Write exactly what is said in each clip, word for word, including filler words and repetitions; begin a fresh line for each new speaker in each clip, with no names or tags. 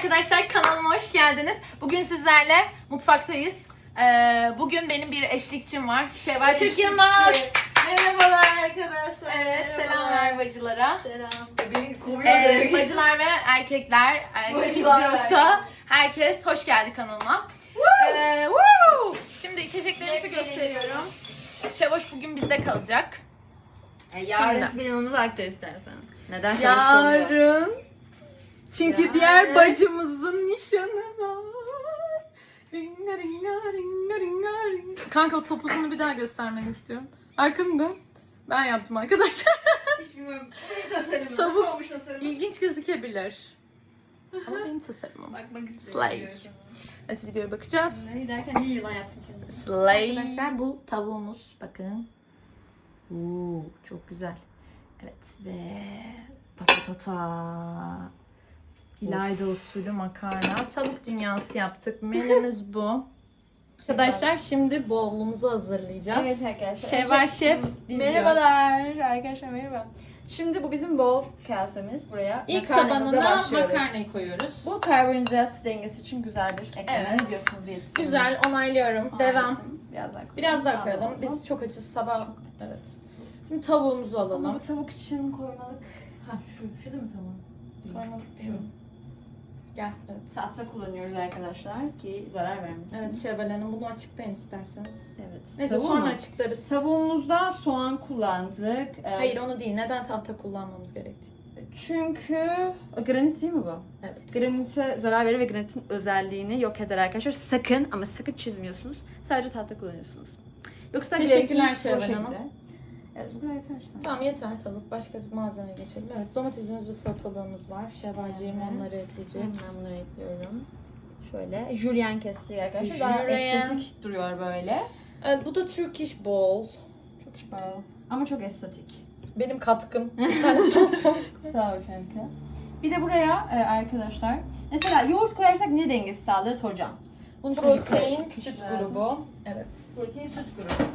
arkadaşlar, kanalıma hoş geldiniz. Bugün sizlerle mutfaktayız. Ee, bugün benim bir eşlikçim var. Şevval Türk Yılmaz.
Merhabalar arkadaşlar.
Evet,
Merhabalar.
selam ver bacılara.
Selam. Beni kovuyor.
Ee, bacılar ve erkekler, erkek
Bacılar ve
izliyorsa
erkek.
herkes hoş geldi kanalıma. Ee, woo! Şimdi içeceklerimizi gösteriyorum. Şevoş bugün bizde kalacak.
E, yarın
Şimdi.
planımızı aktar istersen. Neden çalışmıyor?
Yarın. Çünkü
Yarın.
diğer bacımızın nişanı var. Ringa ringa ringa ringa ringa. Kanka o topuzunu bir daha göstermeni istiyorum. Arkamda. Ben yaptım arkadaşlar.
Hiç bilmiyorum. Benim tasarımım.
Tavuk.
Nasıl olmuş tasarımım?
İlginç gözükebilir. Ama benim tasarımım.
Bakmak
Slay.
istiyorum.
Evet, videoya bakacağız.
Ne giderken niye yılan yaptın kendini?
Slay.
Arkadaşlar bu tavuğumuz, bakın. Oo, çok güzel. Evet ve patatata. İlayda usulü makarna. Tavuk dünyası yaptık. Menümüz bu. Arkadaşlar şimdi bowl'umuzu hazırlayacağız.
Evet arkadaşlar.
Şevval
Önce-
Şef izliyor.
Merhabalar arkadaşlar, merhaba. Şimdi bu bizim bol kasemiz. Buraya
İlk
makarnamıza
tabanına
başlıyoruz.
makarnayı koyuyoruz.
Bu karbonhidrat dengesi için güzel bir ekleme.
Evet.
Ne diyorsunuz diyetisyen?
Güzel, onaylıyorum. Devam.
Biraz daha koyalım.
Biraz daha
Az
koyalım.
oldu.
Biz çok açız sabah. Evet. Şimdi tavuğumuzu
Ama
alalım.
bu tavuk için koymalık. Ha şu, şu değil mi tamam?
Koymalık
Şu.
şu. Gel. Evet.
Tahta kullanıyoruz arkadaşlar ki zarar vermesin.
Evet Şevval Hanım, bunu açıklayın isterseniz.
Evet.
Neyse,
Tavuğu
sonra
mu?
açıklarız.
Tavuğumuzda soğan kullandık. Ee,
Hayır, onu değil. Neden tahta kullanmamız gerektiği.
Çünkü granit değil mi bu?
Evet.
Granite zarar verir ve granitin özelliğini yok eder arkadaşlar. Sakın ama sakın çizmiyorsunuz. Sadece tahta kullanıyorsunuz. Yoksa
Teşekkürler
granitin o
Şevval Hanım.
şekilde. Evet, bu kadar yeter sanırım.
Tamam, yeter tavuk. Başka malzemeye geçelim. Evet, domatesimiz ve salatalığımız var. Şevvalciğim
Evet.
onları ekleyecek.
Hemen bunları ekliyorum. Şöyle julienne kestik arkadaşlar. Daha
Julienne.
estetik duruyor böyle.
Evet, bu da Turkish bowl.
Çok şifalı. Ama çok estetik.
Benim katkım. Bir tane salatalık.
Sağ ol kanka. Bir de buraya e, arkadaşlar, mesela yoğurt koyarsak ne dengesi sağlarız hocam? Bunu şöyle
Protein,
bir-
süt
lazım.
grubu. Evet.
Protein, süt grubu.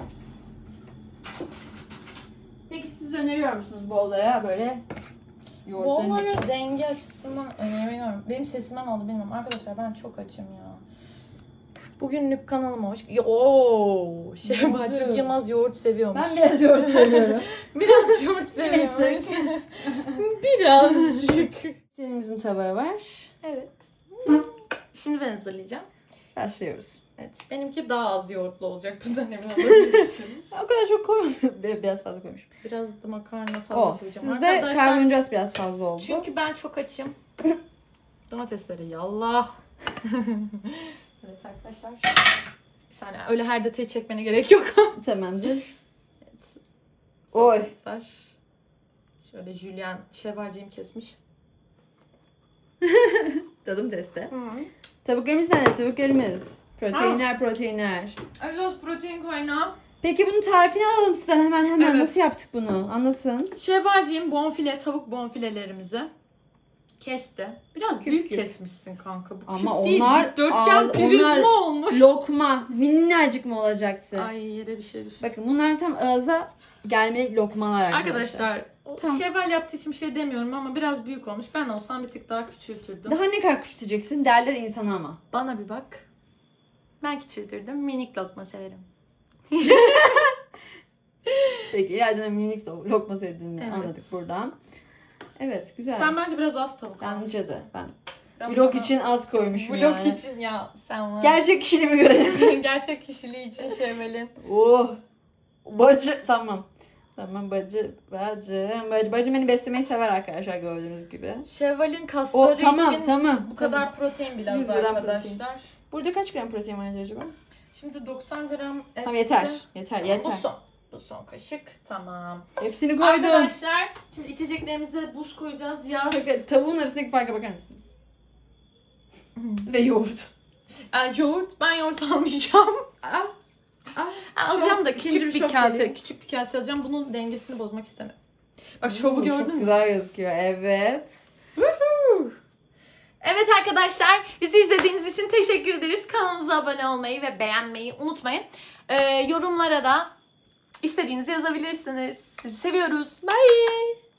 Peki siz de öneriyor musunuz bollara böyle yoğurtların?
Bowl'ları denge açısından öneriyorum. Benim sesimden oldu bilmiyorum. Arkadaşlar ben çok açım ya. Bugünlük kanalıma hoş... Oo, Şevval
Yoğurdu.
Türk Yılmaz yoğurt seviyormuş.
Ben biraz yoğurt seviyorum.
Biraz yoğurt seviyormuş. Birazcık.
Selimizin tabağı var.
Evet. Şimdi ben hazırlayacağım.
Başlıyoruz.
Evet. Benimki daha az yoğurtlu olacak. Bundan emin olabilirsiniz.
O kadar çok koymadım. Biraz fazla koymuşum.
Biraz da makarna fazla
O,
koyacağım.
sizde
Arkadaşlar,
karbonhidrat biraz fazla oldu.
çünkü ben çok açım. Domatesleri yallah. Evet arkadaşlar. Bir saniye, öyle her detayı çekmene gerek yok.
Tamamdır.
Evet.
Oy.
Salatalıklar. Şöyle jülyen şevvalciğim kesmiş.
Tadım testi. Tavuklarımız nerede? Tavuklarımız. Proteinler,
Ah.
proteinler.
Özos protein kaynağı.
Peki bunun tarifini alalım sizden hemen hemen.
Evet.
Nasıl yaptık bunu? Anlatın.
Şevvalciğim bonfile, tavuk bonfilelerimizi kesti. Biraz
Küp
büyük
küp.
kesmişsin kanka. Bu
Ama
küp değil,
onlar
dikdörtgen
az-
prizma
onlar-
olmuş.
Lokma. Minnacık mı olacaktı?
Ay, yere bir şey düştü.
Bakın bunlar tam ağza gelmelik lokmalar arkadaşlar.
Arkadaşlar, o
Tamam.
Şevval yaptığı için bir şey demiyorum ama biraz büyük olmuş. Ben olsam bir tık daha küçültürdüm.
Daha ne kadar küçülteceksin derler insana ama.
Bana bir bak. Ben küçültürdüm. Minik lokma severim.
Peki ileriden minik lokma sevdiğini
Evet.
anladık buradan. Evet güzel.
Sen bence biraz az tavuk
Bence
almışsın.
de. Ben
Biraz
vlog
sana-
için az koymuşum
Vlog
yani.
için ya sen var.
Gerçek kişiliğimi görelim.
Gerçek kişiliği için Şevval'in.
Oh. Bacı. Tamam. Tamam bacı. Bacım. Bacı. Bacım beni beslemeyi sever arkadaşlar gördüğünüz gibi.
Şevval'in
O
kasları
tamam
için
tamam.
bu kadar protein bile
yüz
az
gram
arkadaşlar.
Burada kaç gram protein var acaba?
Şimdi doksan gram et.
Tamam yeter. Yeter
Bu
yeter.
son. Bu son kaşık. Tamam.
Hepsini koydum.
Arkadaşlar şimdi içeceklerimize buz koyacağız. Yaz.
Bakın, tavuğun arasındaki farka bakar mısınız? Ve yoğurt.
Aa, yoğurt. Ben yoğurt almayacağım.
Ah. Ah.
Ha, alacağım
Şok,
da
ikinci
küçük
bir
bir
şok
kase.
geliyor.
Küçük bir kase alacağım. Bunun dengesini bozmak istemiyorum. Bak şovu
Hmm,
gördün
Çok
mü?
güzel gözüküyor. Evet.
Evet arkadaşlar, bizi izlediğiniz için teşekkür ederiz. Kanalımıza abone olmayı ve beğenmeyi unutmayın. Ee, yorumlara da istediğinizi yazabilirsiniz. Sizi seviyoruz. Bye.